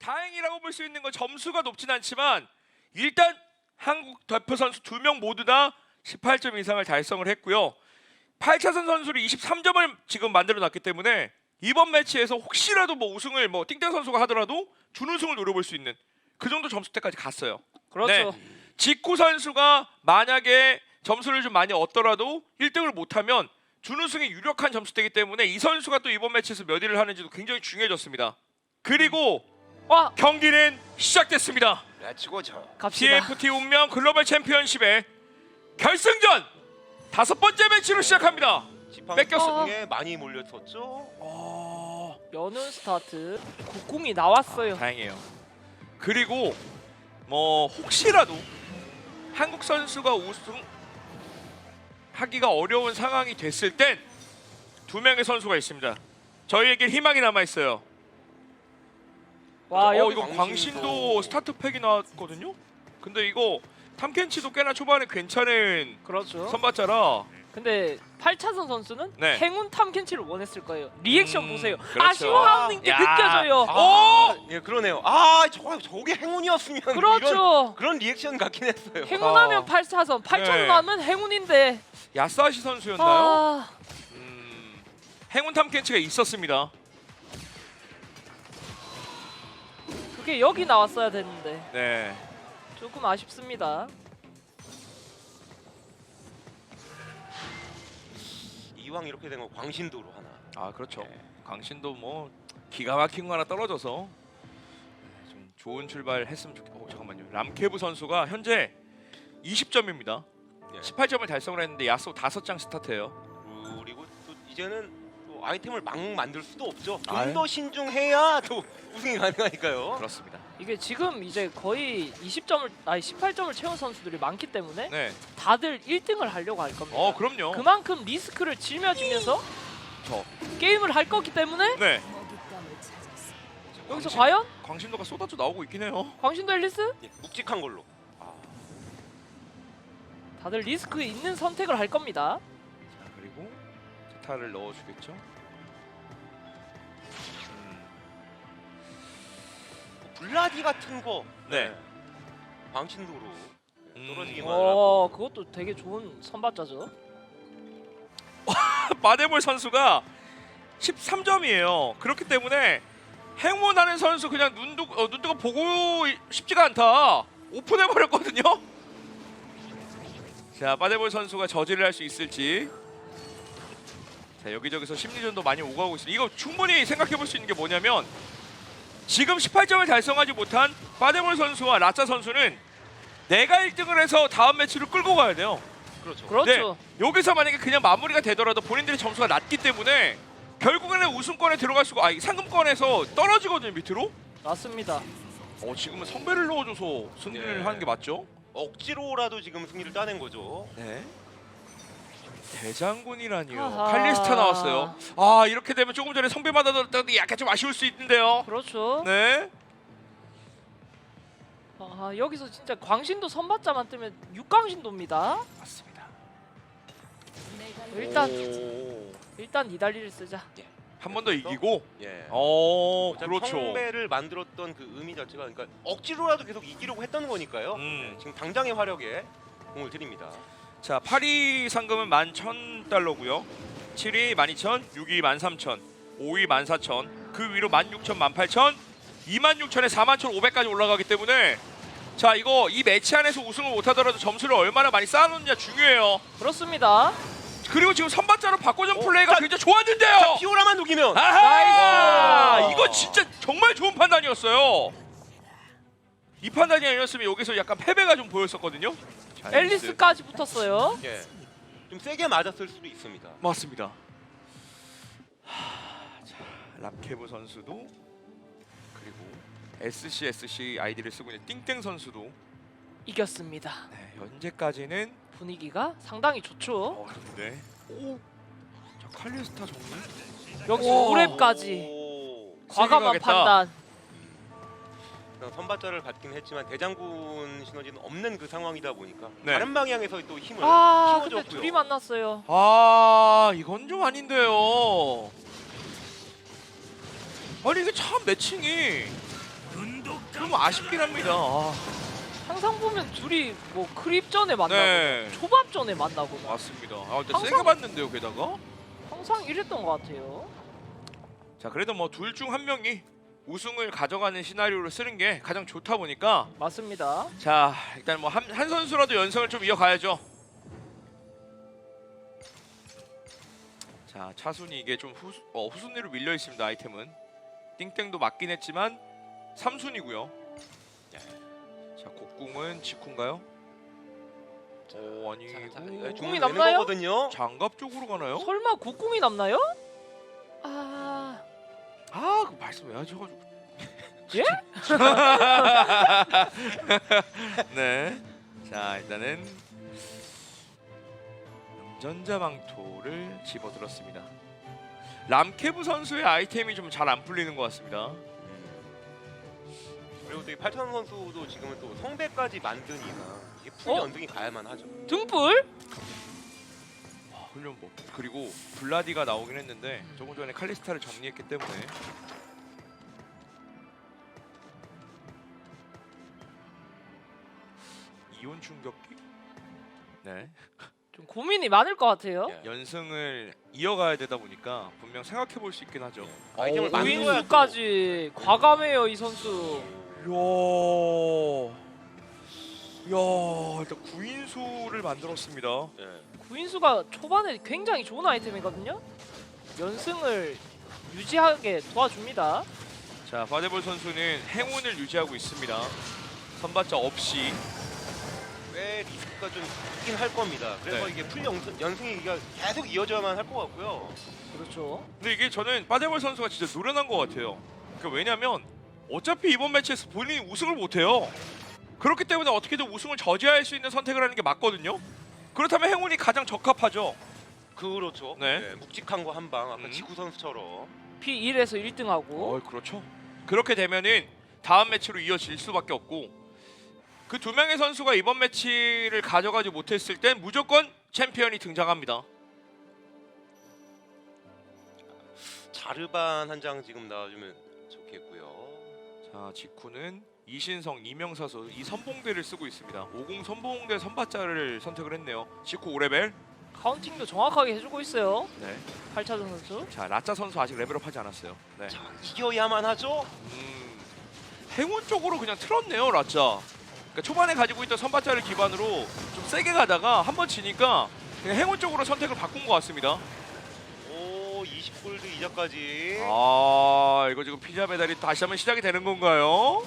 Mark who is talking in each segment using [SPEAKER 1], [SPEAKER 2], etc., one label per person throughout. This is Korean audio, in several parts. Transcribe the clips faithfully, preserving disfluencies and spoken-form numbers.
[SPEAKER 1] 다행이라고 볼 수 있는 건 점수가 높진 않지만 일단 한국 대표 선수 두 명 모두 다 십팔 점 이상을 달성을 했고요. 팔 차선 선수를 이십삼 점을 지금 만들어 놨기 때문에 이번 매치에서 혹시라도 뭐 우승을 뭐 띵땡 선수가 하더라도 준우승을 노려볼 수 있는 그 정도 점수대까지 갔어요.
[SPEAKER 2] 그렇죠.
[SPEAKER 1] 네. 지쿠 선수가 만약에 점수를 좀 많이 얻더라도 일 등을 못하면 준우승이 유력한 점수대이기 때문에 이 선수가 또 이번 매치에서 몇 위를 하는지도 굉장히 중요해졌습니다. 그리고
[SPEAKER 2] 와
[SPEAKER 1] 경기는 시작됐습니다.
[SPEAKER 3] 렛츠고죠.
[SPEAKER 2] 갑시다.
[SPEAKER 1] 티에프티 운명 글로벌 챔피언십의 결승전 다섯 번째 매치로 시작합니다. 뺏겼어.
[SPEAKER 3] 지팡이에 많이 몰렸었죠.
[SPEAKER 1] 어...
[SPEAKER 2] 연운 스타트 국궁이 나왔어요.
[SPEAKER 1] 다행이에요. 그리고 뭐 혹시라도 한국 선수가 우승 하기가 어려운 상황이 됐을 땐 두 명의 선수가 있습니다. 저희에게 희망이 남아 있어요.
[SPEAKER 2] 와
[SPEAKER 1] 어
[SPEAKER 2] 여기
[SPEAKER 1] 이거
[SPEAKER 3] 광신도.
[SPEAKER 1] 광신도 스타트 팩이 나왔거든요. 근데 이거 탐켄치도 꽤나 초반에 괜찮은
[SPEAKER 2] 그렇죠.
[SPEAKER 1] 선발자라.
[SPEAKER 2] 근데 팔 차선 선수는
[SPEAKER 1] 네.
[SPEAKER 2] 행운 탐켄치를 원했을 거예요. 리액션
[SPEAKER 1] 음,
[SPEAKER 2] 보세요.
[SPEAKER 1] 그렇죠.
[SPEAKER 2] 아쉬워하는 게
[SPEAKER 1] 야.
[SPEAKER 2] 느껴져요.
[SPEAKER 3] 아, 예 그러네요. 아, 저 저게 행운이었으면 이런
[SPEAKER 2] 그렇죠.
[SPEAKER 3] 그런 리액션 같긴 했어요.
[SPEAKER 2] 행운하면
[SPEAKER 1] 아.
[SPEAKER 2] 팔 차선, 팔 차선
[SPEAKER 1] 네.
[SPEAKER 2] 하면 행운인데.
[SPEAKER 1] 야사시 선수였나요?
[SPEAKER 2] 아,
[SPEAKER 1] 음, 행운 탐켄치가 있었습니다.
[SPEAKER 2] 그게 여기 나왔어야 됐는데
[SPEAKER 1] 네.
[SPEAKER 2] 조금 아쉽습니다.
[SPEAKER 3] 이왕 이렇게 된 거 광신도로 하나.
[SPEAKER 1] 아 그렇죠.
[SPEAKER 3] 네.
[SPEAKER 1] 강신도 뭐 기가 막힌 거 하나 떨어져서 좀 좋은 출발 했으면 좋겠. 어 잠깐만요. 람케브 선수가 현재 이십 점입니다.
[SPEAKER 3] 예.
[SPEAKER 1] 십팔 점을 달성을 했는데 야소 다섯 장 스타트예요.
[SPEAKER 3] 그리고 또 이제는 또 아이템을 막 만들 수도 없죠.
[SPEAKER 1] 아유.
[SPEAKER 3] 좀 더 신중해야 또 우승이 가능하니까요.
[SPEAKER 1] 그렇습니다.
[SPEAKER 2] 이게 지금 이제 거의 이십 점을 아니 십팔 점을 채운 선수들이 많기 때문에
[SPEAKER 1] 네.
[SPEAKER 2] 다들 일 등을 하려고 할 겁니다.
[SPEAKER 1] 어 그럼요.
[SPEAKER 2] 그만큼 리스크를 짊어지면서
[SPEAKER 1] 저.
[SPEAKER 2] 게임을 할 거기 때문에
[SPEAKER 1] 네.
[SPEAKER 2] 여기서
[SPEAKER 1] 광신-
[SPEAKER 2] 과연
[SPEAKER 1] 광신도가 쏟아져 나오고 있긴 해요.
[SPEAKER 2] 광신도 앨리스
[SPEAKER 3] 예, 묵직한 걸로.
[SPEAKER 2] 다들 리스크 있는 선택을 할 겁니다.
[SPEAKER 1] 자 그리고 제타를 넣어주겠죠. 음,
[SPEAKER 3] 블라디 같은 거.
[SPEAKER 1] 네.
[SPEAKER 3] 광신도로
[SPEAKER 1] 음.
[SPEAKER 3] 떨어지기만
[SPEAKER 2] 어,
[SPEAKER 3] 하고.
[SPEAKER 2] 그것도 되게 좋은 선발자죠.
[SPEAKER 1] 마데볼 선수가 십삼 점이에요. 그렇기 때문에 행운하는 선수 그냥 눈 뜨고 어, 눈 뜨고 보고 싶지가 않다. 오픈해 버렸거든요. 자, 마데볼 선수가 저지를 할 수 있을지. 자, 여기저기서 심리전도 많이 오가고 있습니다. 이거 충분히 생각해 볼 수 있는 게 뭐냐면 지금 십팔 점을 달성하지 못한 마데볼 선수와 라짜 선수는 내가 일 등을 해서 다음 매치를 끌고 가야 돼요.
[SPEAKER 3] 그렇죠.
[SPEAKER 2] 그렇죠.
[SPEAKER 1] 네, 여기서 만약에 그냥 마무리가 되더라도 본인들의 점수가 낮기 때문에 결국에는 우승권에 들어갈 수가 아니 상금권에서 떨어지거든요 밑으로.
[SPEAKER 2] 맞습니다.
[SPEAKER 1] 어 지금은 선배를 넣어줘서 승리를
[SPEAKER 3] 네.
[SPEAKER 1] 하는 게 맞죠?
[SPEAKER 3] 억지로라도 지금 승리를 따낸 거죠.
[SPEAKER 1] 네. 대장군이라니요.
[SPEAKER 2] 아하.
[SPEAKER 1] 칼리스타 나왔어요. 아 이렇게 되면 조금 전에 성배 받았던 약간 좀 아쉬울 수 있는데요.
[SPEAKER 2] 그렇죠.
[SPEAKER 1] 네.
[SPEAKER 2] 아, 여기서 진짜 광신도 선발자만 뜨면 육광신도입니다.
[SPEAKER 1] 맞습니다.
[SPEAKER 2] 일단
[SPEAKER 1] 오.
[SPEAKER 2] 일단 이달리를 쓰자.
[SPEAKER 1] 한 번 더 이기고.
[SPEAKER 3] 예.
[SPEAKER 1] 어
[SPEAKER 3] 어차피
[SPEAKER 1] 그렇죠.
[SPEAKER 3] 성배를 만들었던 그 의미 자체가 그러니까 억지로라도 계속 이기려고 했던 거니까요.
[SPEAKER 1] 음.
[SPEAKER 3] 네, 지금 당장의 화력에 공을 드립니다.
[SPEAKER 1] 자, 팔 위 상금은 만 천 달러고요. 칠 위 만 이천, 육 위 만 삼천, 오 위 만 사천, 그 위로 만 육천, 만 팔천, 이만 육천에 사만 천 오백까지 올라가기 때문에 자, 이거 이 매치 안에서 우승을 못하더라도 점수를 얼마나 많이 쌓아놓느냐 중요해요.
[SPEAKER 2] 그렇습니다.
[SPEAKER 1] 그리고 지금 선발자로 바꿔준
[SPEAKER 3] 어,
[SPEAKER 1] 플레이가
[SPEAKER 3] 자,
[SPEAKER 1] 굉장히 좋았는데요.
[SPEAKER 3] 피오라만 녹이면
[SPEAKER 1] 아하!
[SPEAKER 2] 나이스!
[SPEAKER 1] 이거 진짜 정말 좋은 판단이었어요. 이 판단이 아니었으면 여기서 약간 패배가 좀 보였었거든요. 자,
[SPEAKER 2] 앨리스까지 붙었어요.
[SPEAKER 3] 예. 좀 세게 맞았을 수도 있습니다.
[SPEAKER 1] 맞습니다. 하, 자, 람케브 선수도 그리고 에스씨에스씨 아이디를 쓰고 있는 띵땡 선수도
[SPEAKER 2] 이겼습니다.
[SPEAKER 1] 네, 현재까지는
[SPEAKER 2] 분위기가 상당히 좋죠.
[SPEAKER 1] 어, 네. 오, 자 칼리스타 정리.
[SPEAKER 2] 여기서
[SPEAKER 1] 오.
[SPEAKER 2] 오 렙까지
[SPEAKER 3] 오.
[SPEAKER 2] 과감한
[SPEAKER 1] 가겠다.
[SPEAKER 2] 판단.
[SPEAKER 3] 그냥 선발자를 받긴 했지만 대장군 시너지는 없는 그 상황이다 보니까
[SPEAKER 1] 네.
[SPEAKER 3] 다른 방향에서 또 힘을
[SPEAKER 2] 아, 근데
[SPEAKER 3] 키워줬고요.
[SPEAKER 2] 둘이 만났어요.
[SPEAKER 1] 아, 이건 좀 아닌데요. 아니 이게 참 매칭이 좀 아쉽긴 합니다. 아,
[SPEAKER 2] 항상 보면 둘이 뭐 크립전에 만나고
[SPEAKER 1] 네.
[SPEAKER 2] 초밥전에 만나고
[SPEAKER 1] 맞습니다. 아, 근데
[SPEAKER 2] 항상-
[SPEAKER 1] 세게 봤는데요, 게다가.
[SPEAKER 2] 항상 이랬던 것 같아요.
[SPEAKER 1] 자, 그래도 뭐 둘 중 한 명이 우승을 가져가는 시나리오를 쓰는 게 가장 좋다 보니까
[SPEAKER 2] 맞습니다.
[SPEAKER 1] 자, 일단 뭐 한 한 선수라도 연승을 좀 이어가야죠. 자, 차순이 이게 좀 후, 어, 후순위로 밀려 있습니다. 아이템은 띵땡도 맞긴 했지만 삼 순위고요. 자, 곡궁은 직후인가요? 오, 아니고
[SPEAKER 3] 자, 자,
[SPEAKER 2] 궁이
[SPEAKER 3] 이거 주문 되는
[SPEAKER 2] 남나요?
[SPEAKER 3] 거거든요.
[SPEAKER 1] 장갑 쪽으로 가나요?
[SPEAKER 2] 설마 국궁이 남나요? 아,
[SPEAKER 1] 아, 그 말씀 왜 하셔가지고.
[SPEAKER 2] 예?
[SPEAKER 1] 네. 자, 일단은 전자망토를 집어들었습니다. 람케브 선수의 아이템이 좀 잘 안 풀리는 것 같습니다.
[SPEAKER 3] 그리고 또 이 팔천 선수도 지금은 또 성배까지 만드니까 이게 풀
[SPEAKER 2] 어?
[SPEAKER 3] 연등이 가야만 하죠.
[SPEAKER 2] 등불?
[SPEAKER 1] 와, 훈련법. 그리고 블라디가 나오긴 했는데 조금 전에 칼리스타를 정리했기 때문에 이온 충격기? 네.
[SPEAKER 2] 좀 고민이 많을 것 같아요.
[SPEAKER 3] 예.
[SPEAKER 1] 연승을 이어가야 되다 보니까 분명 생각해 볼 수 있긴 하죠.
[SPEAKER 3] 아이템을
[SPEAKER 2] 어,
[SPEAKER 3] 만들어야 또-
[SPEAKER 2] 우인수까지 과감해요 이 선수.
[SPEAKER 1] 이야, 이야, 일단 구인수를 만들었습니다.
[SPEAKER 3] 예.
[SPEAKER 2] 구인수가 초반에 굉장히 좋은 아이템이거든요. 연승을 유지하게 도와줍니다.
[SPEAKER 1] 자, 파데볼 선수는 행운을 유지하고 있습니다. 선발자 없이.
[SPEAKER 3] 꽤 리스크가 좀 있긴 할 겁니다. 그래서
[SPEAKER 1] 네.
[SPEAKER 3] 이게 풀 연승, 연승이 이게 계속 이어져야만 할 것 같고요.
[SPEAKER 2] 그렇죠.
[SPEAKER 1] 근데 이게 저는 파데볼 선수가 진짜 노련한 것 같아요. 그러니까 왜냐면 어차피 이번 매치에서 본인이 우승을 못해요. 그렇기 때문에 어떻게든 우승을 저지할 수 있는 선택을 하는 게 맞거든요. 그렇다면 행운이 가장 적합하죠.
[SPEAKER 3] 그렇죠.
[SPEAKER 1] 네.
[SPEAKER 3] 네, 묵직한 거 한 방 아까
[SPEAKER 1] 음.
[SPEAKER 3] 지구 선수처럼.
[SPEAKER 2] 피 일에서 일 등하고
[SPEAKER 1] 어, 그렇죠. 그렇게 되면은 다음 매치로 이어질 수밖에 없고 그 두 명의 선수가 이번 매치를 가져가지 못했을 땐 무조건 챔피언이 등장합니다.
[SPEAKER 3] 자르반 한 장 지금 나와주면 좋겠고요.
[SPEAKER 1] 자, 직후는 이신성, 이명사수 이 선봉대를 쓰고 있습니다. 오공 선봉대 선발자를 선택을 했네요. 직후 오 레벨.
[SPEAKER 2] 카운팅도 정확하게 해주고 있어요.
[SPEAKER 1] 네.
[SPEAKER 2] 팔차전 선수.
[SPEAKER 1] 자, 라짜 선수 아직 레벨업하지 않았어요. 네.
[SPEAKER 3] 자, 이겨야만 하죠.
[SPEAKER 1] 음, 행운 쪽으로 그냥 틀었네요, 라짜. 그러니까 초반에 가지고 있던 선발자를 기반으로 좀 세게 가다가 한번 지니까 그냥 행운 쪽으로 선택을 바꾼 것 같습니다.
[SPEAKER 3] 오, 이십 골드 이자까지.
[SPEAKER 1] 아, 이거 지금 피자 배달이 다시 한번 시작이 되는 건가요?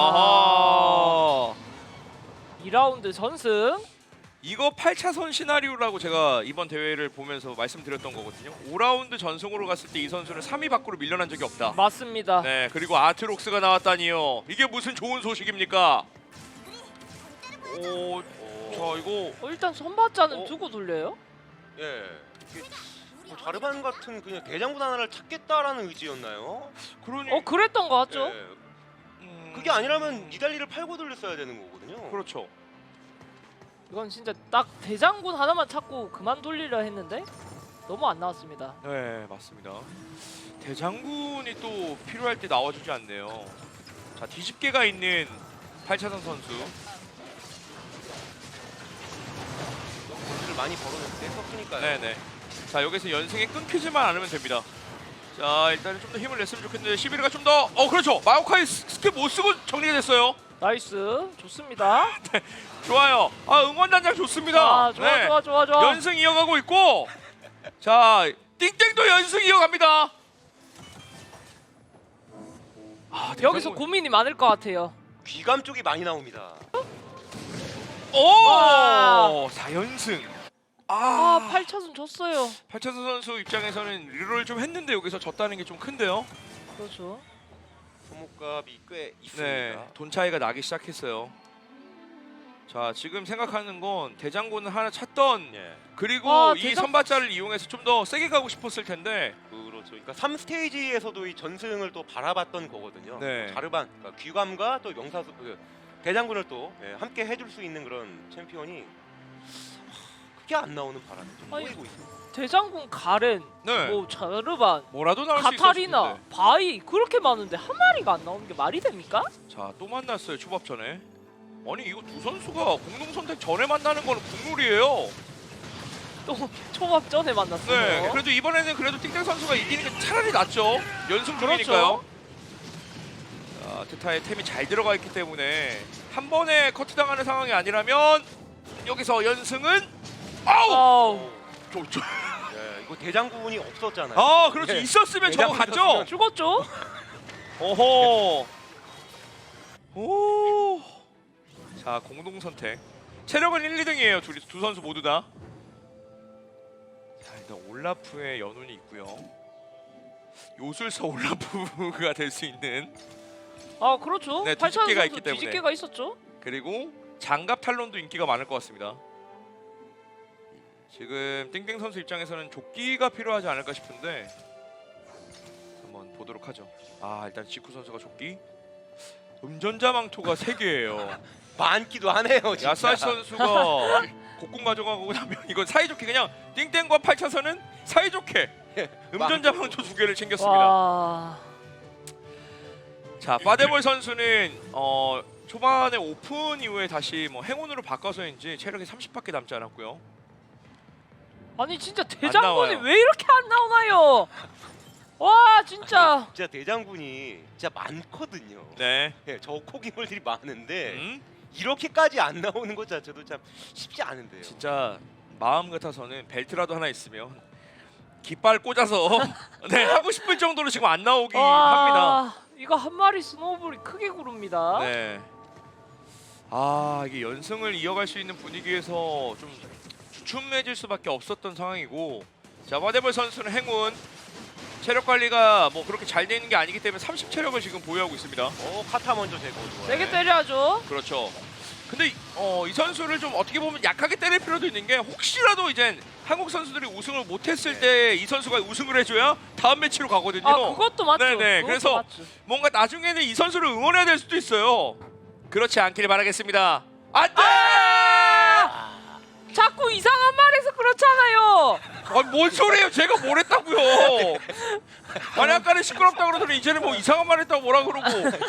[SPEAKER 2] 와.
[SPEAKER 1] 아하.
[SPEAKER 2] 이 라운드 전승.
[SPEAKER 1] 이거 팔 차선 시나리오라고 제가 이번 대회를 보면서 말씀드렸던 거거든요. 오 라운드 전승으로 갔을 때 이 선수는 삼 위 밖으로 밀려난 적이 없다.
[SPEAKER 2] 맞습니다.
[SPEAKER 1] 네, 그리고 아트록스가 나왔다니요. 이게 무슨 좋은 소식입니까? 오, 자 이거
[SPEAKER 2] 어, 일단 선발자는
[SPEAKER 3] 어?
[SPEAKER 2] 두고 돌려요.
[SPEAKER 3] 예. 이게 뭐 자르반 같은 그냥 대장군 하나를 찾겠다라는 의지였나요?
[SPEAKER 1] 그러니
[SPEAKER 2] 어 그랬던 것 같죠?
[SPEAKER 3] 예.
[SPEAKER 1] 음,
[SPEAKER 3] 그게 아니라면 니달리를 팔고 돌렸어야 되는 거거든요.
[SPEAKER 1] 그렇죠.
[SPEAKER 2] 이건 진짜 딱 대장군 하나만 찾고 그만 돌리려 했는데 너무 안 나왔습니다.
[SPEAKER 1] 네, 맞습니다. 대장군이 또 필요할 때 나와주지 않네요. 자, 뒤집개가 있는 팔 차선 선수.
[SPEAKER 3] 돈을 많이 벌어냈을 때 썼으니까요.
[SPEAKER 1] 네네. 자, 여기서 연승이 끊기지만 않으면 됩니다. 자, 일단은 좀 더 힘을 냈으면 좋겠는데 시비르가 좀 더 어 그렇죠. 마오카이 스- 스킬 못 쓰고 정리가 됐어요.
[SPEAKER 2] 나이스, 좋습니다.
[SPEAKER 1] 좋아요. 아, 응원단장 좋습니다.
[SPEAKER 2] 아 좋아
[SPEAKER 1] 네.
[SPEAKER 2] 좋아 좋아 좋아.
[SPEAKER 1] 연승 이어가고 있고, 자 띵땡도 연승 이어갑니다. 아,
[SPEAKER 2] 여기서
[SPEAKER 1] 대장군.
[SPEAKER 2] 고민이 많을 것 같아요.
[SPEAKER 3] 귀감 쪽이 많이 나옵니다.
[SPEAKER 1] 오, 사 연승.
[SPEAKER 2] 아
[SPEAKER 1] 아,
[SPEAKER 2] 팔 차선 졌어요.
[SPEAKER 1] 팔차선 선수 입장에서는 리롤 좀 했는데 여기서 졌다는 게 좀 큰데요.
[SPEAKER 2] 그렇죠.
[SPEAKER 3] 소모값이 꽤 있습니다.
[SPEAKER 1] 네, 돈 차이가 나기 시작했어요. 자, 지금 생각하는 건 대장군을 하나 찾던,
[SPEAKER 3] 예.
[SPEAKER 1] 그리고
[SPEAKER 2] 아,
[SPEAKER 1] 이
[SPEAKER 2] 대장-
[SPEAKER 1] 선발자를 이용해서 좀 더 세게 가고 싶었을 텐데.
[SPEAKER 3] 그렇죠. 그러니까 삼 스테이지에서도 이 전승을 또 바라봤던 거거든요.
[SPEAKER 1] 네.
[SPEAKER 3] 자르반, 그러니까 귀감과 또 명사수 그 대장군을 또 예, 함께 해줄 수 있는 그런 챔피언이 하, 그게 안 나오는 바람에 좀
[SPEAKER 2] 아니,
[SPEAKER 3] 꼬이고 있습니다.
[SPEAKER 2] 대장군 가렌,
[SPEAKER 1] 네.
[SPEAKER 2] 뭐 자르반,
[SPEAKER 1] 뭐라도 나올 수
[SPEAKER 2] 카타리나,
[SPEAKER 1] 있었는데.
[SPEAKER 2] 바이 그렇게 많은데 한 마리가 안 나오는 게 말이 됩니까?
[SPEAKER 1] 자, 또 만났어요. 초밥 전에. 아니 이거 두 선수가 공동 선택 전에 만나는 거는 국룰이에요.
[SPEAKER 2] 또 초밥 전에 만났어요.
[SPEAKER 1] 네. 그래도 이번에는 그래도 띵땡 선수가 이기는 게 차라리 낫죠. 연승 중이니까요.
[SPEAKER 2] 그렇죠.
[SPEAKER 1] 자, 트타의 템이 잘 들어가 있기 때문에 한 번에 커트 당하는 상황이 아니라면 여기서 연승은 아우!
[SPEAKER 2] 아우,
[SPEAKER 1] 저, 저.
[SPEAKER 3] 예, 이거 대장군이 없었잖아요.
[SPEAKER 1] 아, 그렇죠.
[SPEAKER 3] 예.
[SPEAKER 1] 있었으면 저거
[SPEAKER 3] 대장군
[SPEAKER 1] 갔죠.
[SPEAKER 3] 있었으면
[SPEAKER 2] 죽었죠?
[SPEAKER 1] 오호. 오. 자, 공동 선택. 체력은 일, 이 등이에요. 둘이 두 선수 모두 다. 자, 일단 올라프의 연운이 있고요. 요술사 올라프가 될 수 있는,
[SPEAKER 2] 아 그렇죠.
[SPEAKER 1] 네,
[SPEAKER 2] 팔천
[SPEAKER 1] 뒤집개가
[SPEAKER 2] 선수
[SPEAKER 1] 있기 때문에.
[SPEAKER 2] 뒤집개가 있었죠.
[SPEAKER 1] 그리고 장갑 탈론도 인기가 많을 것 같습니다. 지금 띵띵 선수 입장에서는 조끼가 필요하지 않을까 싶은데 한번 보도록 하죠. 아, 일단 지쿠 선수가 조끼. 음전자 망토가 세 개예요.
[SPEAKER 3] 많기도 하네요. 진짜.
[SPEAKER 1] 야사시 선수가 곡궁 가져가고 나면 이건 사이좋게 그냥 띵땡과 팔차선은 사이좋게 음전자 망토 두 개를 챙겼습니다.
[SPEAKER 2] 와,
[SPEAKER 1] 자, 파데볼 선수는 어, 초반에 오픈 이후에 다시 뭐 행운으로 바꿔서인지 체력이 삼십밖에 남지 않았고요.
[SPEAKER 2] 아니 진짜
[SPEAKER 1] 나와요.
[SPEAKER 2] 대장군이 왜 이렇게 안 나오나요? 와 진짜.
[SPEAKER 3] 진짜 대장군이 진짜 많거든요.
[SPEAKER 1] 네.
[SPEAKER 3] 예, 저 코기물들이 많은데
[SPEAKER 1] 음,
[SPEAKER 3] 이렇게까지 안 나오는 것 자체도 참 쉽지 않은데요.
[SPEAKER 1] 진짜 마음 같아서는 벨트라도 하나 있으면 깃발 꽂아서 네, 하고 싶을 정도로 지금 안 나오기 합니다.
[SPEAKER 2] 와, 이거 한 마리 스노우볼이 크게 구릅니다.
[SPEAKER 1] 네. 아, 이게 연승을 이어갈 수 있는 분위기에서 좀 주춤해질 수밖에 없었던 상황이고, 자, 바데볼 선수는 행운. 체력 관리가 뭐 그렇게 잘 되는 게 아니기 때문에 삼십 체력을 지금 보유하고 있습니다.
[SPEAKER 3] 어, 카타 먼저 제거 좋아요.
[SPEAKER 2] 세게 때려야죠.
[SPEAKER 1] 그렇죠. 근데 이- 어, 이 선수를 좀 어떻게 보면 약하게 때릴 필요도 있는 게, 혹시라도 이제 한국 선수들이 우승을 못했을
[SPEAKER 3] 네.
[SPEAKER 1] 때 이 선수가 우승을 해줘야 다음 매치로 가거든요.
[SPEAKER 2] 아 그것도 맞죠.
[SPEAKER 1] 네네,
[SPEAKER 2] 그것도
[SPEAKER 1] 그래서
[SPEAKER 2] 맞죠.
[SPEAKER 1] 뭔가 나중에는 이 선수를 응원해야 될 수도 있어요. 그렇지 않길 바라겠습니다. 안돼!
[SPEAKER 3] 아,
[SPEAKER 2] 자꾸 이상한 말해서 그렇잖아요.
[SPEAKER 1] 아, 뭔 소리예요? 제가 뭘 했다고요? 아니 아까는 시끄럽다 그러더니 이제는 뭐 이상한 말 했다고 뭐라 그러고.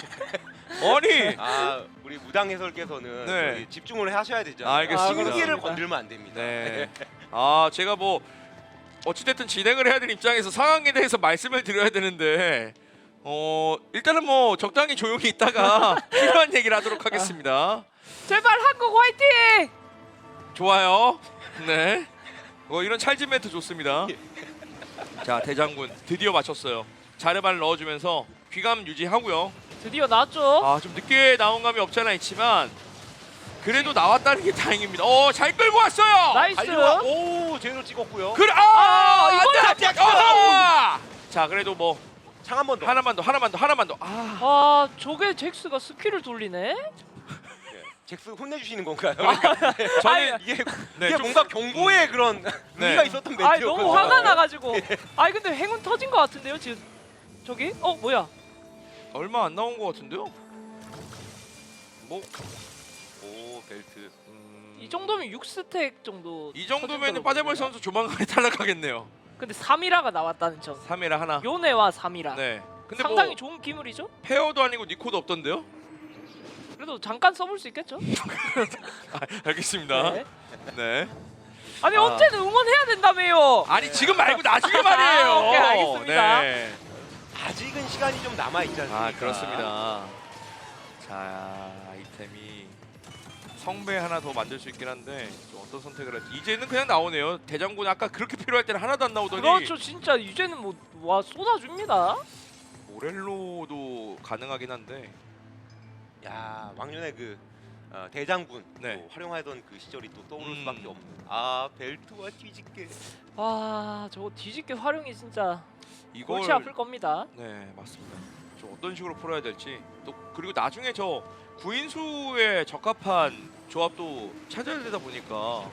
[SPEAKER 1] 아니.
[SPEAKER 3] 아, 우리 무당 해설께서는
[SPEAKER 1] 네.
[SPEAKER 3] 저기 집중을 하셔야 되잖아요.
[SPEAKER 1] 알겠습니다.
[SPEAKER 3] 신기를 건들면 안 됩니다.
[SPEAKER 1] 네. 아, 제가 뭐 어찌됐든 진행을 해야 되는 입장에서 상황에 대해서 말씀을 드려야 되는데, 어 일단은 뭐 적당히 조용히 있다가 필요한 얘기를 하도록 하겠습니다.
[SPEAKER 2] 제발 한국 화이팅!
[SPEAKER 1] 좋아요. 네. 어, 이런 찰진 멘트 좋습니다. 자, 대장군 드디어 맞췄어요. 자르반을 넣어주면서 귀감 유지하고요.
[SPEAKER 2] 드디어 나왔죠.
[SPEAKER 1] 아, 좀 늦게 나온 감이 없지 않아 있지만 그래도 나왔다는 게 다행입니다. 어, 잘 끌고 왔어요.
[SPEAKER 2] 나이스.
[SPEAKER 3] 달려와. 오, 제대로 찍었고요.
[SPEAKER 1] 그래. 아,
[SPEAKER 2] 아,
[SPEAKER 1] 안
[SPEAKER 2] 이걸
[SPEAKER 1] 돼,
[SPEAKER 2] 안
[SPEAKER 1] 안 돼. 아! 자, 그래도 뭐
[SPEAKER 3] 창 한 번 더.
[SPEAKER 1] 하나만 더, 하나만 더, 하나만 더. 아,
[SPEAKER 2] 아 저게 잭스가 스킬을 돌리네.
[SPEAKER 3] 예. 잭스 혼내주시는 건가요?
[SPEAKER 1] 저는
[SPEAKER 3] 이게,
[SPEAKER 1] 네,
[SPEAKER 3] 이게
[SPEAKER 1] 좀-
[SPEAKER 3] 뭔가 경고의 그런 의미가 있었던
[SPEAKER 2] 아
[SPEAKER 3] 멘트였거든요.
[SPEAKER 2] 너무 화가 나가지고. 아니 근데 행운 터진 것 같은데요 지금. 저기? 어 뭐야?
[SPEAKER 1] 얼마 안 나온 것 같은데요?
[SPEAKER 3] 뭐? 오, 벨트.
[SPEAKER 1] 음,
[SPEAKER 2] 이 정도면 육 스택 정도.
[SPEAKER 1] 이 정도면
[SPEAKER 2] 터진다고
[SPEAKER 1] 빠데볼
[SPEAKER 2] 보네요.
[SPEAKER 1] 선수 조만간에 탈락하겠네요.
[SPEAKER 2] 근데 삼 일화가 나왔다는 점.
[SPEAKER 1] 삼 회라 하나.
[SPEAKER 2] 요네와 삼 일화.
[SPEAKER 1] 네. 근데
[SPEAKER 2] 상당히
[SPEAKER 1] 뭐
[SPEAKER 2] 좋은 기물이죠.
[SPEAKER 1] 페어도 아니고 니코도 없던데요?
[SPEAKER 2] 그래도 잠깐 써볼 수 있겠죠.
[SPEAKER 1] 아, 알겠습니다.
[SPEAKER 2] 네.
[SPEAKER 1] 네.
[SPEAKER 2] 아니
[SPEAKER 1] 아.
[SPEAKER 2] 언제는 응원해야 된다며요.
[SPEAKER 1] 아니 지금 말고 나중에 말이에요.
[SPEAKER 2] 아, 오케이, 알겠습니다.
[SPEAKER 1] 네.
[SPEAKER 3] 아직은 시간이 좀 남아 있지 않습니까?
[SPEAKER 1] 아, 그렇습니다. 자, 아이템이 성배 하나 더 만들 수 있긴 한데 좀 어떤 선택을 할지. 이제는 그냥 나오네요. 대장군 아까 그렇게 필요할 때는 하나도 안 나오더니
[SPEAKER 2] 그렇죠. 진짜 이제는 뭐 와 쏟아줍니다.
[SPEAKER 1] 모렐로도 가능하긴 한데.
[SPEAKER 3] 야, 왕년의 그 어, 대장군
[SPEAKER 1] 네.
[SPEAKER 3] 또 활용하던 그 시절이 또 떠오를
[SPEAKER 1] 음.
[SPEAKER 3] 수밖에 없는. 아, 벨트와 뒤집게.
[SPEAKER 2] 와 저거 뒤집개 활용이 진짜
[SPEAKER 1] 이걸
[SPEAKER 2] 골치 아플 겁니다.
[SPEAKER 1] 네, 맞습니다. 좀 어떤 식으로 풀어야 될지. 또 그리고 나중에 저 구인수에 적합한 조합도 찾아야 되다 보니까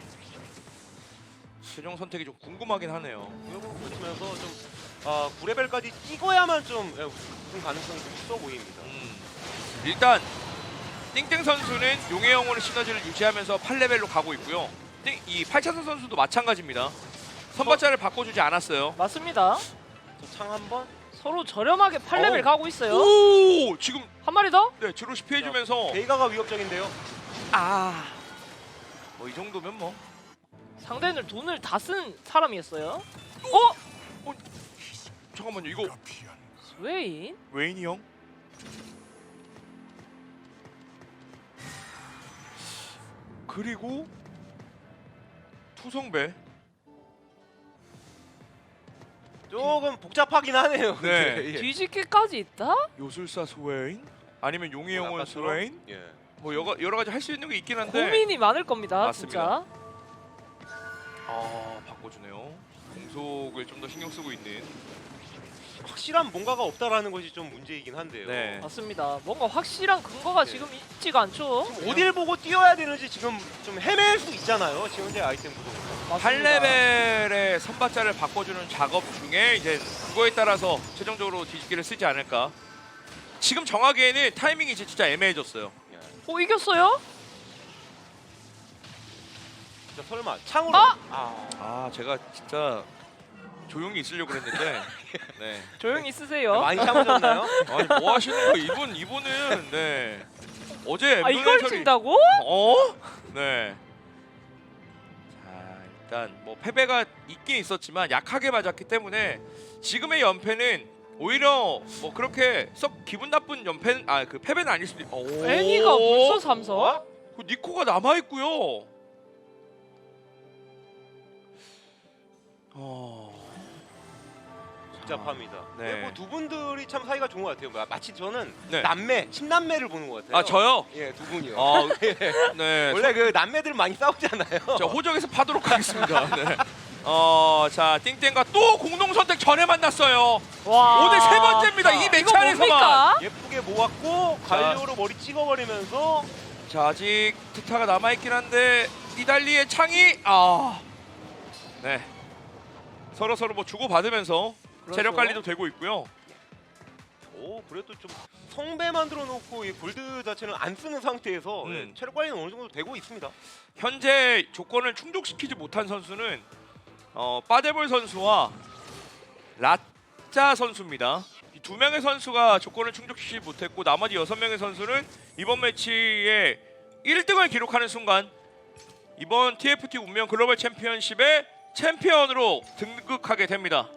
[SPEAKER 1] 최종 선택이 좀 궁금하긴 하네요.
[SPEAKER 3] 그러면서 좀 어, 구 레벨까지 찍어야만 좀 예, 우승 가능성이 좀 있어 보입니다.
[SPEAKER 1] 음, 일단 띵땡 선수는 용의 영혼의 시너지를 유지하면서 팔 레벨로 가고 있고요. 띵, 이 팔차선 선수도 마찬가지입니다. 선발자를 바꿔주지 않았어요.
[SPEAKER 2] 맞습니다.
[SPEAKER 3] 창 한번.
[SPEAKER 2] 서로 저렴하게 팔 레벨
[SPEAKER 1] 어우.
[SPEAKER 2] 가고 있어요.
[SPEAKER 1] 오 지금
[SPEAKER 2] 한 마리 더?
[SPEAKER 1] 네 드로시 피해주면서
[SPEAKER 3] 베이가가 위협적인데요.
[SPEAKER 1] 아 뭐 이 정도면 뭐
[SPEAKER 2] 상대는 돈을 다 쓴 사람이었어요. 어?
[SPEAKER 1] 잠깐만요 이거
[SPEAKER 2] 스웨인?
[SPEAKER 1] 웨인이 형 그리고 투성배
[SPEAKER 3] 조금 복잡하긴 하네요.
[SPEAKER 1] 네.
[SPEAKER 3] 근데, 예.
[SPEAKER 2] 뒤집기까지 있다?
[SPEAKER 1] 요술사 스웨인 아니면 용의 영혼
[SPEAKER 3] 아까처럼?
[SPEAKER 1] 스웨인
[SPEAKER 3] 예.
[SPEAKER 1] 뭐 여러, 여러 가지 할 수 있는 게 있긴 한데
[SPEAKER 2] 고민이 많을 겁니다.
[SPEAKER 1] 맞습니다.
[SPEAKER 2] 진짜.
[SPEAKER 1] 아 바꿔주네요. 공속을 좀 더 신경 쓰고 있는
[SPEAKER 3] 확실한 뭔가가 없다라는 것이 좀 문제이긴 한데요.
[SPEAKER 1] 네.
[SPEAKER 2] 맞습니다. 뭔가 확실한 근거가
[SPEAKER 3] 네.
[SPEAKER 2] 지금 있지가 않죠.
[SPEAKER 3] 지금 어딜 보고 뛰어야 되는지 지금 좀 헤맬 수 있잖아요. 지금 현재 아이템 구성으로.
[SPEAKER 1] 팔 레벨의 선발자를 바꿔주는 작업 중에 이제 그거에 따라서 최종적으로 뒤집기를 쓰지 않을까. 지금 정하기에는 타이밍이 이제 진짜 애매해졌어요.
[SPEAKER 3] 예.
[SPEAKER 2] 어 이겼어요?
[SPEAKER 3] 진짜 설마 창으로.
[SPEAKER 2] 아!
[SPEAKER 3] 아.
[SPEAKER 1] 아 제가 진짜 조용히 있으려고 그랬는데 네.
[SPEAKER 2] 조용히 쓰세요.
[SPEAKER 3] 많이 참으셨나요?
[SPEAKER 1] 아니 뭐 하시는 거 이분 이분은 네 어제
[SPEAKER 2] 아 이걸
[SPEAKER 1] 엠블렌셜이-
[SPEAKER 2] 진다고?
[SPEAKER 1] 어? 네. 자 일단 뭐 패배가 있긴 있었지만 약하게 맞았기 때문에 지금의 연패는 오히려 뭐 그렇게 썩 기분 나쁜 연패 아그 패배는 아닐 수도 있. 오.
[SPEAKER 2] 애니가 벌써 삼성?
[SPEAKER 1] 그 니코가 남아 있고요. 어.
[SPEAKER 3] 복잡합니다.
[SPEAKER 1] 네.
[SPEAKER 3] 그리고 두 분들이 참 사이가 좋은 것 같아요. 마치 저는
[SPEAKER 1] 네.
[SPEAKER 3] 남매, 친남매를 보는 것 같아요.
[SPEAKER 1] 아 저요?
[SPEAKER 3] 예, 두 분이요.
[SPEAKER 1] 아 네.
[SPEAKER 3] 원래 그 남매들 많이 싸우잖아요.
[SPEAKER 1] 자 호적에서 파도록 하겠습니다. 네. 어, 자 띵땡과 또 공동 선택 전에 만났어요.
[SPEAKER 2] 와.
[SPEAKER 1] 오늘 세 번째입니다. 이
[SPEAKER 2] 이거
[SPEAKER 1] 매치 안에서만.
[SPEAKER 2] 뭡니까?
[SPEAKER 3] 예쁘게 모았고 관료로 머리 찍어버리면서
[SPEAKER 1] 자 아직 트타가 남아 있긴 한데 니달리의 창이 아, 네 서로 서로 뭐 주고 받으면서
[SPEAKER 2] 그렇죠.
[SPEAKER 1] 체력 관리도 되고 있고요.
[SPEAKER 3] 오 그래도 좀 성배 만들어 놓고 이 골드 자체는 안 쓰는 상태에서
[SPEAKER 1] 음.
[SPEAKER 3] 예, 체력 관리는 어느 정도 되고 있습니다.
[SPEAKER 1] 현재 조건을 충족시키지 못한 선수는 어, 빠데볼 선수와 라짜 선수입니다. 이 두 명의 선수가 조건을 충족시키지 못했고 나머지 여섯 명의 선수는 이번 매치에 일 등을 기록하는 순간 이번 티에프티 운명 글로벌 챔피언십의 챔피언으로 등극하게 됩니다.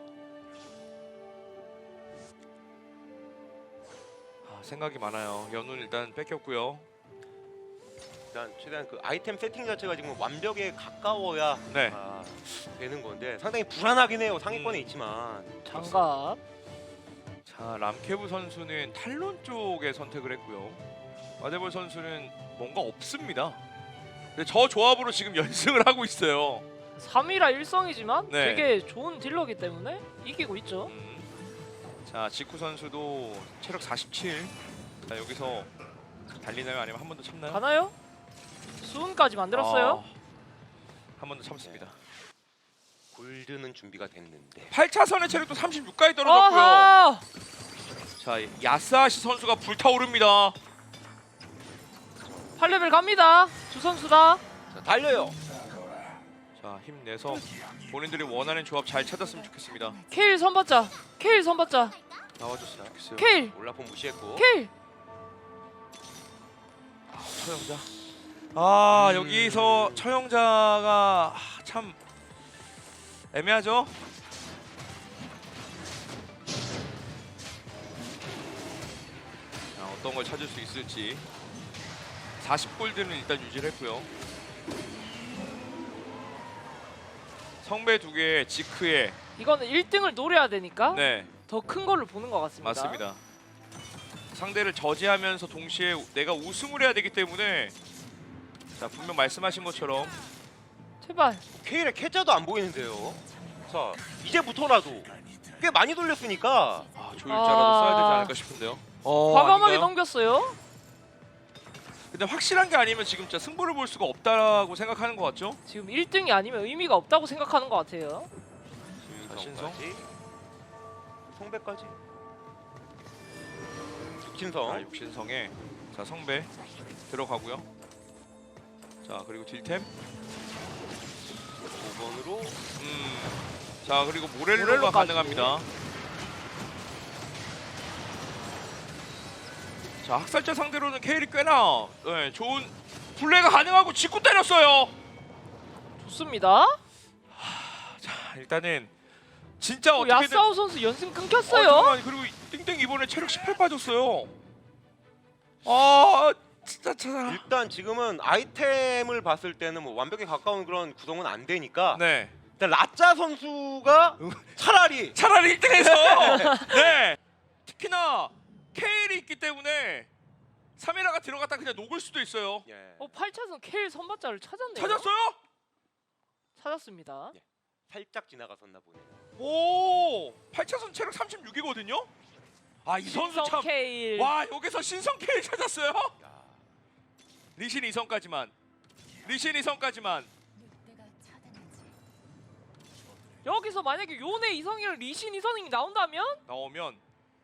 [SPEAKER 1] 아, 생각이 많아요. 연운 일단 뺏겼고요.
[SPEAKER 3] 일단 최대한 그 아이템 세팅 자체가 지금 완벽에 가까워야
[SPEAKER 1] 네.
[SPEAKER 3] 아, 되는 건데 상당히 불안하긴 해요. 상위권에
[SPEAKER 1] 음.
[SPEAKER 3] 있지만
[SPEAKER 2] 장갑.
[SPEAKER 1] 자 람케브 선수는 탈론 쪽에 선택을 했고요. 마데볼 선수는 뭔가 없습니다. 근데 저 조합으로 지금 연승을 하고 있어요.
[SPEAKER 2] 삼 위라 일성이지만
[SPEAKER 1] 네.
[SPEAKER 2] 되게 좋은 딜러기 때문에 이기고 있죠.
[SPEAKER 1] 음. 자 지쿠 선수도 체력 사십칠. 자 여기서 달리나요 아니면 한 번 더 참나요?
[SPEAKER 2] 가나요? 수은까지 만들었어요.
[SPEAKER 1] 한 번 더 참습니다.
[SPEAKER 3] 골드는 준비가 됐는데
[SPEAKER 1] 팔 차선의 체력도 삼십육까지 떨어졌고요.
[SPEAKER 2] 아하!
[SPEAKER 1] 자 야스아시 선수가 불타오릅니다.
[SPEAKER 2] 팔 레벨 갑니다. 두 선수 다.
[SPEAKER 3] 자, 달려요.
[SPEAKER 1] 자 힘내서 본인들이 원하는 조합 잘 찾았으면 좋겠습니다.
[SPEAKER 2] 케일 선받자. 케일 선받자.
[SPEAKER 1] 나와줬으면 좋겠어요.
[SPEAKER 2] 케일.
[SPEAKER 3] 올라폰 무시했고
[SPEAKER 2] 케일.
[SPEAKER 1] 처형자. 아
[SPEAKER 3] 음.
[SPEAKER 1] 여기서 처형자가 아, 참 애매하죠. 자, 어떤 걸 찾을 수 있을지. 사십 골드는 일단 유지를 했고요. 성배 두 개, 지크에
[SPEAKER 2] 이거는 일 등을 노려야 되니까
[SPEAKER 1] 네
[SPEAKER 2] 더 큰 걸로 보는 것 같습니다.
[SPEAKER 1] 맞습니다. 상대를 저지하면서 동시에 내가 우승을 해야 되기 때문에 자 분명 말씀하신 것처럼
[SPEAKER 2] 제발.
[SPEAKER 3] 케일의 캐자도 안 보이는데요. 자 이제부터라도 꽤 많이 돌렸으니까
[SPEAKER 1] 아, 조율자라도 써야 되지 않을까 싶은데요. 어,
[SPEAKER 2] 과감하게
[SPEAKER 1] 아닌가요?
[SPEAKER 2] 넘겼어요.
[SPEAKER 1] 근데 확실한 게 아니면 지금 진짜 승부를 볼 수가 없다고 생각하는 것 같죠?
[SPEAKER 2] 지금 일 등이 아니면 의미가 없다고 생각하는 것 같아요.
[SPEAKER 1] 자, 신성.
[SPEAKER 3] 신성까지 성배까지
[SPEAKER 1] 자,
[SPEAKER 3] 육신성
[SPEAKER 1] 육신성에 자 성배 들어가고요. 자 그리고 딜템
[SPEAKER 3] 번으로
[SPEAKER 1] 음. 자 그리고 모렐로가
[SPEAKER 2] 모렐로까지.
[SPEAKER 1] 가능합니다. 자 학살자 상대로는 케일이 꽤나 네, 좋은 플레이가 가능하고 직구 때렸어요.
[SPEAKER 2] 좋습니다.
[SPEAKER 1] 자 일단은 진짜
[SPEAKER 2] 어,
[SPEAKER 1] 어떻게든
[SPEAKER 2] 야스아우 선수 연승
[SPEAKER 1] 어,
[SPEAKER 2] 끊겼어요.
[SPEAKER 1] 잠깐만, 그리고 띵띵 이번에 체력 십팔 빠졌어요. 아 진짜 참.
[SPEAKER 3] 일단 지금은 아이템을 봤을 때는 뭐 완벽에 가까운 그런 구성은 안 되니까
[SPEAKER 1] 네.
[SPEAKER 3] 일단 라짜 선수가 차라리
[SPEAKER 1] 차라리 일 등에서 네. 특히나 케일이 있기 때문에 사미라가 들어갔다 그냥 녹을 수도 있어요.
[SPEAKER 3] 예,
[SPEAKER 2] 어, 팔 차선 케일 선발자를 찾았네요.
[SPEAKER 1] 찾았어요?
[SPEAKER 2] 찾았습니다.
[SPEAKER 3] 예. 살짝 지나갔었나 보네요.
[SPEAKER 1] 오, 팔 차선 체력 삼십육이거든요. 아 이 선수
[SPEAKER 2] 신성
[SPEAKER 1] 참.
[SPEAKER 2] 케일.
[SPEAKER 1] 와 여기서 신성 케일 찾았어요.
[SPEAKER 3] 야,
[SPEAKER 1] 리신 이성까지만. 리신 이성까지만.
[SPEAKER 2] 여기서 만약에 요네 이성이랑 리신 이성이 나온다면
[SPEAKER 1] 나오면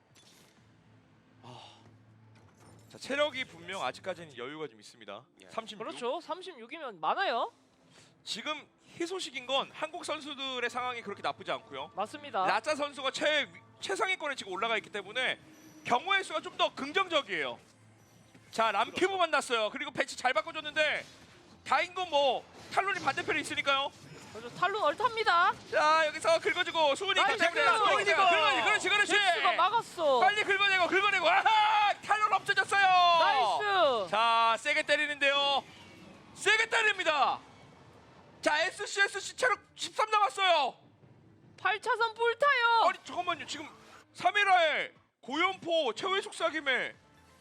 [SPEAKER 1] 아, 자 체력이 분명 아직까지는 여유가 좀 있습니다.
[SPEAKER 3] 예.
[SPEAKER 1] 삼십육.
[SPEAKER 2] 그렇죠. 삼십육이면 많아요.
[SPEAKER 1] 지금 희소식인 건 한국 선수들의 상황이 그렇게 나쁘지 않고요.
[SPEAKER 2] 맞습니다.
[SPEAKER 1] 라짜 선수가 최 최상위권에 지금 올라가 있기 때문에 경우의 수가 좀 더 긍정적이에요. 자 람큐브 만났어요. 그리고 배치 잘 바꿔줬는데 다인 건 뭐 탈론이 반대편에 있으니까요.
[SPEAKER 2] 그렇죠. 탈론 얼탑니다.
[SPEAKER 1] 자 여기서 긁어주고 수훈이
[SPEAKER 2] 나이스!
[SPEAKER 1] 긁어내고 수훈이 긁어내고 그렇지 그렇지.
[SPEAKER 2] 잭스가 막았어.
[SPEAKER 1] 빨리 긁어내고 긁어내고 아하 탈론 없어졌어요.
[SPEAKER 2] 나이스.
[SPEAKER 1] 자 세게 때리는데요. 세게 때립니다. 자 에스씨에스씨 체력 십삼 남았어요.
[SPEAKER 2] 팔 차선 뿔타요.
[SPEAKER 1] 아니 잠깐만요. 지금 사미라의 고연포 최후의 속삭임에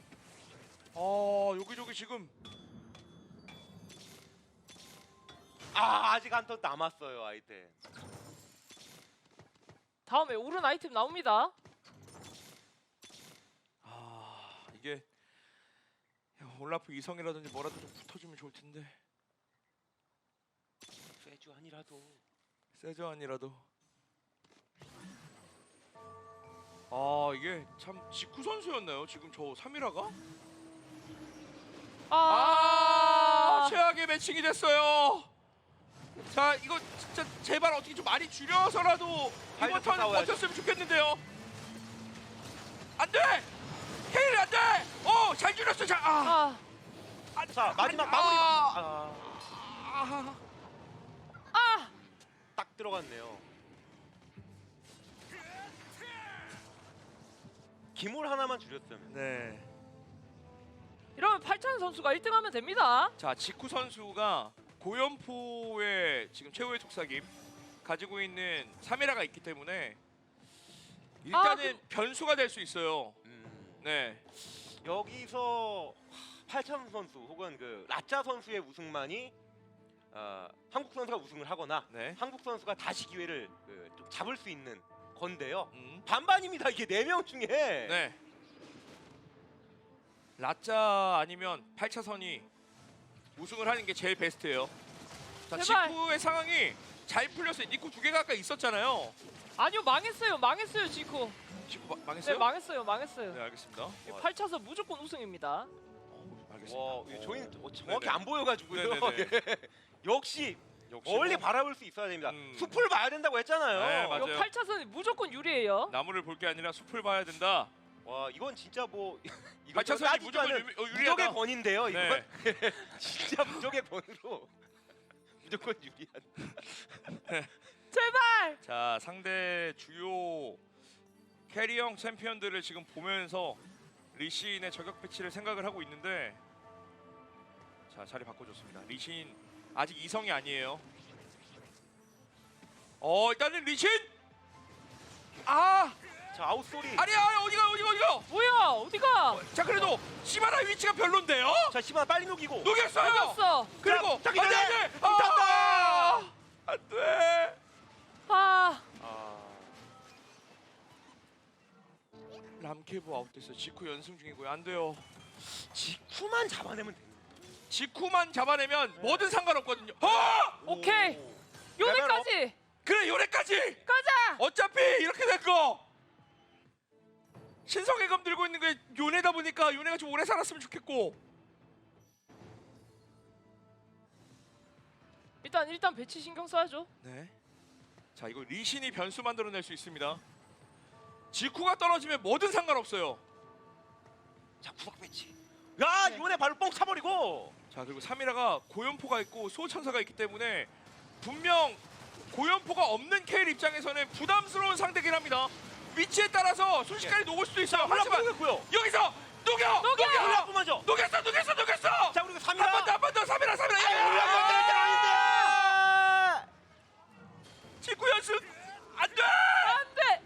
[SPEAKER 1] 아 여기저기 지금
[SPEAKER 3] 아 아직 한 턴 남았어요 아이템.
[SPEAKER 2] 다음에 오른 아이템 나옵니다.
[SPEAKER 1] 아 이게 야, 올라프 이성이라든지 뭐라도 좀 붙어주면 좋을 텐데
[SPEAKER 3] 세주안이라도.
[SPEAKER 1] 세저안이라도 아 이게 참 직구 선수였나요? 지금 저 사미라가? 아,
[SPEAKER 2] 아,
[SPEAKER 1] 최악의 매칭이 됐어요. 자 이거 진짜 제발 어떻게 좀 많이 줄여서라도 이번
[SPEAKER 3] 파이널
[SPEAKER 1] 턴
[SPEAKER 3] 싸워야죠.
[SPEAKER 1] 버텼으면 좋겠는데요. 안돼! 케일이 안돼! 어잘 줄였어. 자, 아,
[SPEAKER 2] 아,
[SPEAKER 1] 아,
[SPEAKER 3] 자 마지막
[SPEAKER 1] 아,
[SPEAKER 3] 마무리.
[SPEAKER 1] 아,
[SPEAKER 3] 아,
[SPEAKER 1] 아,
[SPEAKER 2] 아.
[SPEAKER 3] 딱 들어갔네요. 기물 하나만 줄였으면.
[SPEAKER 1] 네.
[SPEAKER 2] 이러면 팔 차선 선수가 일 등 하면 됩니다.
[SPEAKER 1] 자 직구 선수가 고연포의 지금 최후의 속삭임 가지고 있는 사미라가 있기 때문에 일단은
[SPEAKER 2] 아,
[SPEAKER 1] 변수가 될 수 있어요.
[SPEAKER 3] 음,
[SPEAKER 1] 네.
[SPEAKER 3] 여기서 팔참 선수 혹은 그 라짜 선수의 우승만이 어, 한국 선수가 우승을 하거나
[SPEAKER 1] 네.
[SPEAKER 3] 한국 선수가 다시 기회를 그, 좀 잡을 수 있는 건데요.
[SPEAKER 1] 음.
[SPEAKER 3] 반반입니다. 이게 네 명 중에.
[SPEAKER 1] 네. 라짜 아니면 팔 차선이 우승을 하는 게 제일 베스트예요. 자,
[SPEAKER 2] 제발.
[SPEAKER 1] 직구의 상황이 잘 풀렸어요. 니코 두 개가 아까 있었잖아요.
[SPEAKER 2] 아니요, 망했어요. 망했어요, 지코.
[SPEAKER 1] 직구 마-
[SPEAKER 2] 네,
[SPEAKER 1] 망했어요?
[SPEAKER 2] 망했어요. 망했어요.
[SPEAKER 1] 네, 알겠습니다.
[SPEAKER 2] 팔 차선 무조건 우승입니다.
[SPEAKER 1] 어, 알겠습니다.
[SPEAKER 3] 와,
[SPEAKER 1] 어.
[SPEAKER 3] 저희는 어, 정확히
[SPEAKER 1] 네네.
[SPEAKER 3] 안 보여가지고요.
[SPEAKER 1] 네네네.
[SPEAKER 3] 예. 역시
[SPEAKER 1] 역시
[SPEAKER 3] 멀리
[SPEAKER 1] 뭐
[SPEAKER 3] 바라볼 수 있어야 됩니다.
[SPEAKER 1] 음.
[SPEAKER 3] 숲을 봐야 된다고 했잖아요.
[SPEAKER 1] 네, 맞아요.
[SPEAKER 2] 이거 팔 차선이 무조건 유리해요.
[SPEAKER 1] 나무를 볼 게 아니라 숲을 봐야 된다.
[SPEAKER 3] 와, 이건 진짜 뭐 이거
[SPEAKER 1] 팔 차선이
[SPEAKER 3] 따지지
[SPEAKER 1] 무조건
[SPEAKER 3] 않은
[SPEAKER 1] 유, 어,
[SPEAKER 3] 무적의
[SPEAKER 1] 유리하다.
[SPEAKER 3] 권인데요. 이건
[SPEAKER 1] 네.
[SPEAKER 3] 진짜 무적의 권으로 무조건 유리한.
[SPEAKER 2] 제발.
[SPEAKER 1] 자 상대 주요 캐리형 챔피언들을 지금 보면서 리신의 저격 배치를 생각을 하고 있는데 자 자리 바꿔줬습니다. 리신 아직 이성이 아니에요. 어 일단은 리신 아
[SPEAKER 3] 자, 아웃소리.
[SPEAKER 1] 아니야 아니, 어디가 어디가 어디가
[SPEAKER 2] 뭐야? 어디가?
[SPEAKER 1] 자 그래도 시바라 위치가 별론데요.
[SPEAKER 3] 자, 시바 빨리 녹이고.
[SPEAKER 1] 녹였어요.
[SPEAKER 2] 이겼어.
[SPEAKER 1] 그리고
[SPEAKER 3] 자기
[SPEAKER 1] 안돼
[SPEAKER 3] 전에
[SPEAKER 1] 안돼
[SPEAKER 3] 붙었다.
[SPEAKER 1] 안돼
[SPEAKER 2] 아,
[SPEAKER 3] 아,
[SPEAKER 1] 람케브 아웃됐어요. 직후 연승 중이고요. 안 돼요.
[SPEAKER 3] 직후만 잡아내면 됩니다.
[SPEAKER 1] 직후만 잡아내면
[SPEAKER 3] 네.
[SPEAKER 1] 뭐든 상관없거든요. 어!
[SPEAKER 2] 오케이.
[SPEAKER 3] 오.
[SPEAKER 2] 요네까지
[SPEAKER 1] 그래 요래까지.
[SPEAKER 2] 가자.
[SPEAKER 1] 어차피 이렇게 될 거. 신성의 검 들고 있는 게 요네다 보니까 요네가 좀 오래 살았으면 좋겠고.
[SPEAKER 2] 일단 일단 배치 신경 써야죠.
[SPEAKER 1] 네. 자 이거 리신이 변수 만들어낼 수 있습니다. 지쿠가 떨어지면 뭐든 상관없어요.
[SPEAKER 3] 자 구석 배치. 야
[SPEAKER 2] 네.
[SPEAKER 3] 이번에 발로 뻥 차버리고.
[SPEAKER 1] 자 그리고 삼이라가 고연포가 있고 소천사가 있기 때문에 분명 고연포가 없는 케일 입장에서는 부담스러운 상대긴 합니다. 위치에 따라서 순식간에 녹을 수도 있어요. 하지만
[SPEAKER 3] 올라프고요.
[SPEAKER 1] 여기서 녹여! 녹여!
[SPEAKER 3] 올라프 먼저.
[SPEAKER 1] 녹였어! 녹였어! 녹였어!
[SPEAKER 3] 자 그리고
[SPEAKER 1] 한
[SPEAKER 3] 삼이라.
[SPEAKER 1] 번 더! 한 번 더! 삼이라! 삼이라!
[SPEAKER 3] 올라프 아닌데.
[SPEAKER 1] 지쿠 연습! 안 돼!
[SPEAKER 2] 안돼.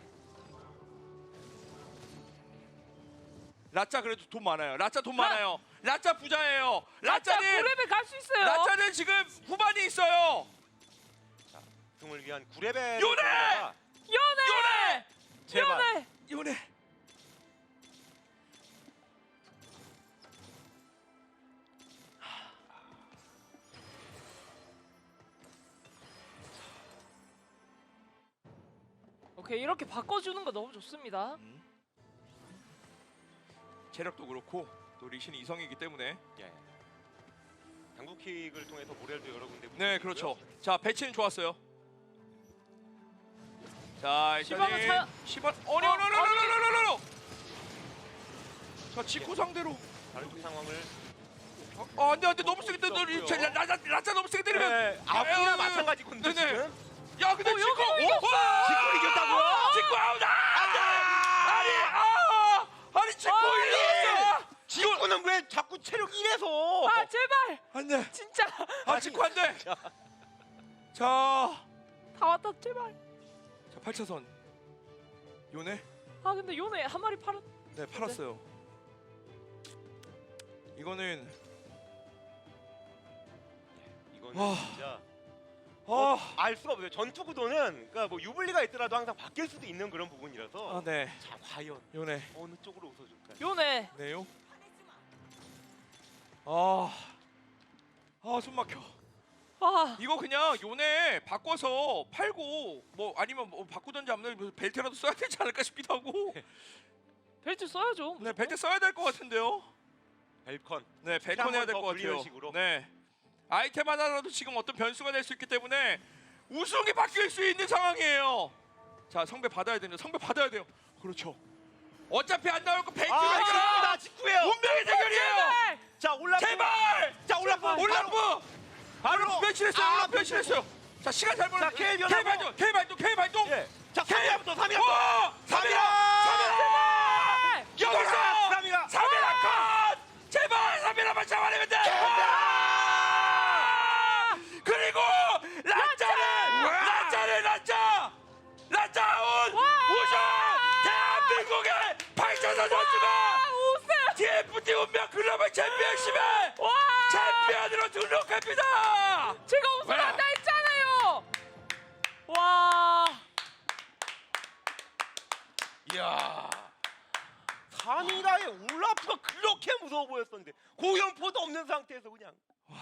[SPEAKER 1] 라짜 그래도 돈 많아요. 라짜 돈
[SPEAKER 2] 라-
[SPEAKER 1] 많아요. 라짜 부자예요.
[SPEAKER 2] 라짜
[SPEAKER 1] 라짜는
[SPEAKER 2] 고레벨 갈 수 있어요.
[SPEAKER 1] 라짜는 지금 후반이 있어요.
[SPEAKER 3] 등을 위한 구 레벨.
[SPEAKER 1] 요네!
[SPEAKER 2] 연애.
[SPEAKER 1] 요네!
[SPEAKER 3] 제발.
[SPEAKER 2] 연애.
[SPEAKER 1] 요네.
[SPEAKER 2] 오케이 이렇게 바꿔주는 거 너무 좋습니다.
[SPEAKER 1] 음. 체력도 그렇고 또 리신이 이성이기 때문에
[SPEAKER 3] 예. 당구킥을 통해서 모렐도 여러 군데.
[SPEAKER 1] 네 그렇죠. 자 배치는 좋았어요. 자
[SPEAKER 2] 시바는
[SPEAKER 1] 일단은
[SPEAKER 2] 차-
[SPEAKER 1] 시바 어니
[SPEAKER 2] 어,
[SPEAKER 1] 어니 어니 어니 어니 어니 어니 자 지쿠 상대로
[SPEAKER 3] 다른 쪽 상황을.
[SPEAKER 1] 어, 어 안돼 안돼 너무 세게 때려
[SPEAKER 3] 없고요.
[SPEAKER 1] 라짜 라짜 너무 세게 때리면
[SPEAKER 3] 네. 아프나
[SPEAKER 1] 에이,
[SPEAKER 3] 마찬가지 건데
[SPEAKER 1] 네네.
[SPEAKER 3] 지금.
[SPEAKER 1] 야 근데
[SPEAKER 2] 어,
[SPEAKER 1] 지쿠
[SPEAKER 2] 여기 이겼어!
[SPEAKER 3] 지금 이겼다고요?
[SPEAKER 1] 지쿠 아웃 안돼 아니 아 아니 지쿠
[SPEAKER 2] 아니!
[SPEAKER 1] 이겼어
[SPEAKER 3] 지구는 왜 자꾸 체력 일에서?
[SPEAKER 2] 아 제발
[SPEAKER 1] 안돼
[SPEAKER 2] 진짜
[SPEAKER 1] 아 지쿠 안돼 자
[SPEAKER 2] 다 왔다 제발.
[SPEAKER 1] 자 팔 차선 요네
[SPEAKER 2] 아 근데 요네 한 마리 팔은.
[SPEAKER 1] 네 팔았어요. 이거는
[SPEAKER 3] 이거는
[SPEAKER 1] 와.
[SPEAKER 3] 진짜
[SPEAKER 1] 아,
[SPEAKER 3] 알 수가 없어요. 전투 구도는 그러니까 뭐 유불리가 있더라도 항상 바뀔 수도 있는 그런 부분이라서.
[SPEAKER 1] 아 네,
[SPEAKER 3] 자 과연
[SPEAKER 1] 요네,
[SPEAKER 3] 어느 쪽으로 웃어줄까?
[SPEAKER 2] 요네.
[SPEAKER 1] 네요. 아, 아, 숨 막혀.
[SPEAKER 2] 아
[SPEAKER 1] 이거 그냥 요네 바꿔서 팔고 뭐 아니면 뭐 바꾸든지 아니면 벨트라도 써야 되지 않을까 싶기도 하고.
[SPEAKER 2] 벨트 써야죠.
[SPEAKER 1] 네, 벨트 써야 될 것 같은데요.
[SPEAKER 3] 벨컨.
[SPEAKER 1] 네, 벨컨 해야 될
[SPEAKER 3] 더
[SPEAKER 1] 것 같아요.
[SPEAKER 3] 불리는 식으로.
[SPEAKER 1] 네, 아이템 하나라도 지금 어떤 변수가 될 수 있기 때문에 우승이 바뀔 수 있는 상황이에요. 자, 성배 받아야 됩니다. 성배 받아야 돼요. 그렇죠. 어차피 안 나올 거 벨트로
[SPEAKER 3] 아
[SPEAKER 1] 해결하.
[SPEAKER 3] 직구다 직구예요.
[SPEAKER 1] 운명의 대결이에요.
[SPEAKER 2] 제발.
[SPEAKER 3] 자 올라프.
[SPEAKER 1] 제발.
[SPEAKER 3] 자 올라프.
[SPEAKER 1] 올라프. 바로 변신했어요.
[SPEAKER 3] 아,
[SPEAKER 1] 올라프 변신했어요. 자, 시간 잘 보내.
[SPEAKER 3] 자, K
[SPEAKER 1] K
[SPEAKER 3] 변화고.
[SPEAKER 1] 발동. K 발동. K 발동.
[SPEAKER 3] 예. 자
[SPEAKER 1] K.
[SPEAKER 3] 삼이라부터 삼이라.
[SPEAKER 1] 와! 삼이라. 삼이라. 여기서
[SPEAKER 3] 삼이라.
[SPEAKER 1] 삼이라 컷. 제발 삼이라만 잡아내면 돼. 그리고 라짜를 라짜를 라짜 라짜 아웃 우승 대한민국의 박찬선 선수가
[SPEAKER 2] 아 우승.
[SPEAKER 1] 티에프티 운명 글로벌 챔피언십에
[SPEAKER 2] 와.
[SPEAKER 1] 챔피언으로 등록합니다.
[SPEAKER 2] 제가 우승한다 했잖아요. 와.
[SPEAKER 3] 이야. 삼이라의 올라프가 그렇게 무서워 보였었는데 고연포도 없는 상태에서 그냥.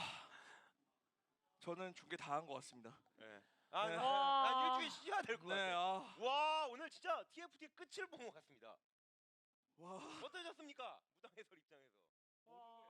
[SPEAKER 1] 저는 중계 다 한 것 같습니다.
[SPEAKER 3] 예. 아,
[SPEAKER 1] 네.
[SPEAKER 3] 나,
[SPEAKER 2] 와.
[SPEAKER 3] 난 일주일 쉬어야 될 것
[SPEAKER 1] 네,
[SPEAKER 3] 같아.
[SPEAKER 1] 아,
[SPEAKER 3] 와 오늘 진짜 티에프티 끝을 본 것 같습니다.
[SPEAKER 1] 와.
[SPEAKER 3] 어떠셨습니까? 무당 해설 입장에서.
[SPEAKER 2] 와.